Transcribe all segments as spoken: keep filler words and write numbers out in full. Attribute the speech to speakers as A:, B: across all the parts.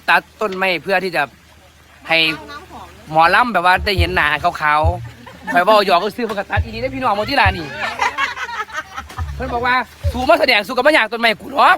A: ตัดต้นไม้เพื่อที่จะให้หมอลำแบบว่าได้เห็นหนาขาวๆคอยบอกหยอกก็ซื้อเพื่อตัดอีนี้ได้พี่น้องโมที่ลานี่เพื่อนบอกว่าสูมาแสดงสูกับมาอยากต้นไม้กูหรอก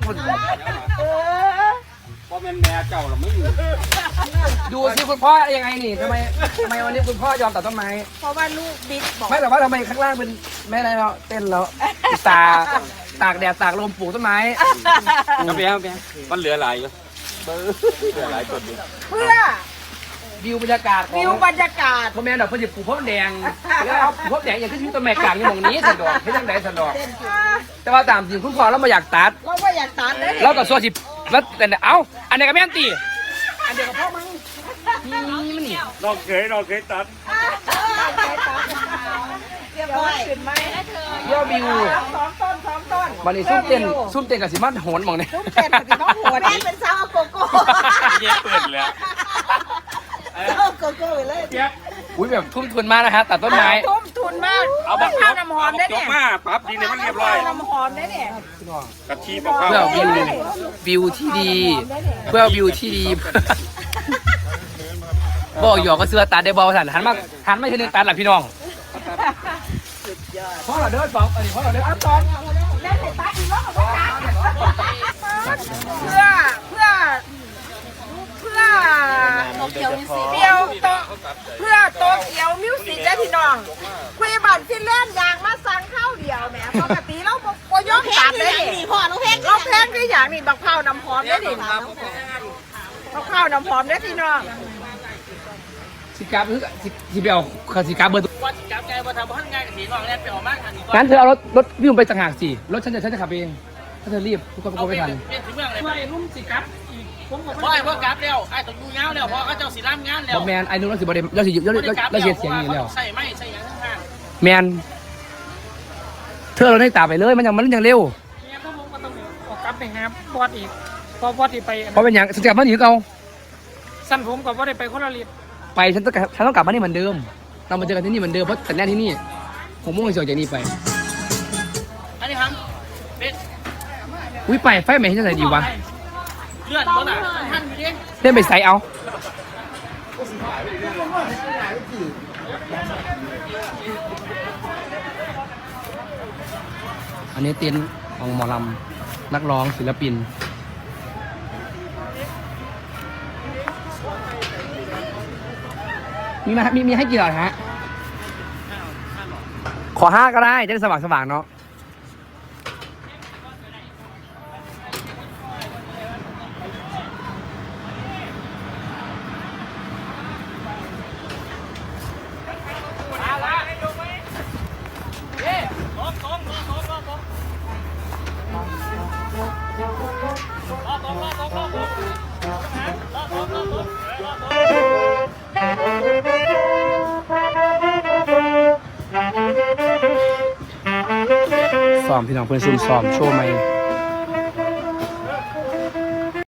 B: พ่อแม่แม่เจ้าเราไม่อยู่
A: ดูสิคุณพ่อยังไงนี่ทำไมทำไมวันนี้คุณพ่อยอมตัดต้นไม้
C: เพราะว่าลูกบิ๊กบอก
A: ไม่แต่ว่าทำไมข้างล่างเป็นแม่อะไรเราเต้นแล้วตาตากแดดตากลมปลูกต้นไม้
B: เอาไปเอาไปมันเหลือหลายอยู่เหลือหลายต้นอยู่
C: เพื่อ
A: วิวบรรยากาศ
C: วิวบรรยากาศ
A: พ่อแม่ดอกเพื่อจะปลูกพวกแดงแล้วเอาพวกแดงอย่างที่ชื่อต้นไม้กลางอย่างนี้สันดอกให้ตั้งแต่สันดอกแต่ว่าตามจริงคุณพ่อเราไม่อยากตัด
C: เราไม่อยากตัดเลย
A: เราก็ส่วนสิแล้วแต่เอ้าอันนี้ก็แม่นตีอันเดียวกับพ่อมึงนี่มันนี่
B: เราเคยเราเคยตัด
C: เรียบร้อยขึ้นไหม
A: ยอดวิว
C: สองต้นสองต้น
A: วันนี้ซุ่มเต้นซุ่มเต้นกับสิมันโหนมองเนี่ย
C: ซุ่มเต้นกับสิมันโหนแม่เป็นสาวโกโก้
B: เย้เปิดแล้ว
C: สาวโกโก้เลย
A: อุ้ยแบบทุ่มทุนมากนะฮะตัดต้นไม้
C: ทุ่มทุนมาก
B: เอาบักข้าวน้ำหอมได้เนี่ยมาปั๊บดีเนี่ยมันเรียบร้อย
C: น้ำหอมได้เนี่ย
B: กะทิบักข้าว
A: เพื่อวิววิวที่ดีเพื่อวิวที่ดีบอกหยอกก็เสื้อตัดได้บอลสันหันมาหันไม่ใช่เรื่องตัดหลักพี่น้องเพราะเราเดินสองเออเพราะเราเดินสอง
C: เล่นในตัดอีกรอบเพื่อเพื่อเพื่อเพื่อโตเกียวมิวสิกเดียวโตเพื่อโตเกียวมิวสิกได้พี่น้องคุยบัตรฟินแลนด์ยางมาสั่งข้าวเดียวแหมปกติเราโปยกตัดได้ดิพ่อเราแพงเราแพงด้วยอย่างนี้บักข้าวน้ำหอมได้ดิบักข้าวน้ำหอมได้พี่น้อง
A: สิกาเพื่อสิเบลสิกาเบอร์
D: ว่าสิกาแกว่าทำให้ง่ายกับสีน้องเนี่ยไปออกมากทันนี้
A: งั้นเธอเอารถรถวิ่งไปต่างหากสิรถฉันจะฉันจะขับเองถ้าเธอรีบทุกคนก็ไม่ทัน
D: เป็นถึงเมืองเลยไม่รุ่มสิกับเพราะไอ้พวกกราฟแล้วไอ้ต้องดูเงาแล้วเพราะเขาเจ้าสีร่ำงานแล้ว
A: แมนไอ้นุ่นเราสิบเดเราสิเราเราเสียเสียงอย่างนี้แล้ว
D: ใส่ไม่ใส่ยังข้าง
A: แมนเธอเราได้ตาไปเลยมันยังมันยังเร็ว
D: เนี่ยพวกผมก็ต้องออกกราฟไปหาบอสอีกพอบอสอีกไป
A: เพราะเป็นอย่างสกัดมันหนีเขา
D: สั้นผมกับว่าได้ไปคนละรีบ
A: ไปฉันต้องฉันต้องกลับมานี่เหมือนเดิมเรามาเจอกันที่นี่เหมือนเดิมเพราะแต่แน่ที่นี่ผมมุ่งจะจากนี่ไป
D: อันนี้ครับเป็น
A: อุ้ยไปไฟไหมที่ไหนดีวะ
D: เลือดบนอ่ะท่านอยู่ดิ
A: เล่นไปใส่เอาอันนี้เต็นท์ของหมอลำนักร้องศิลปินมีมามีมีให้กี่หลอดฮะขอห้าก็ได้จะได้สว่างสว่างเนาะซ้อมพี่น้องเพื่อนซุ่มซ้อมโชว์ใหม่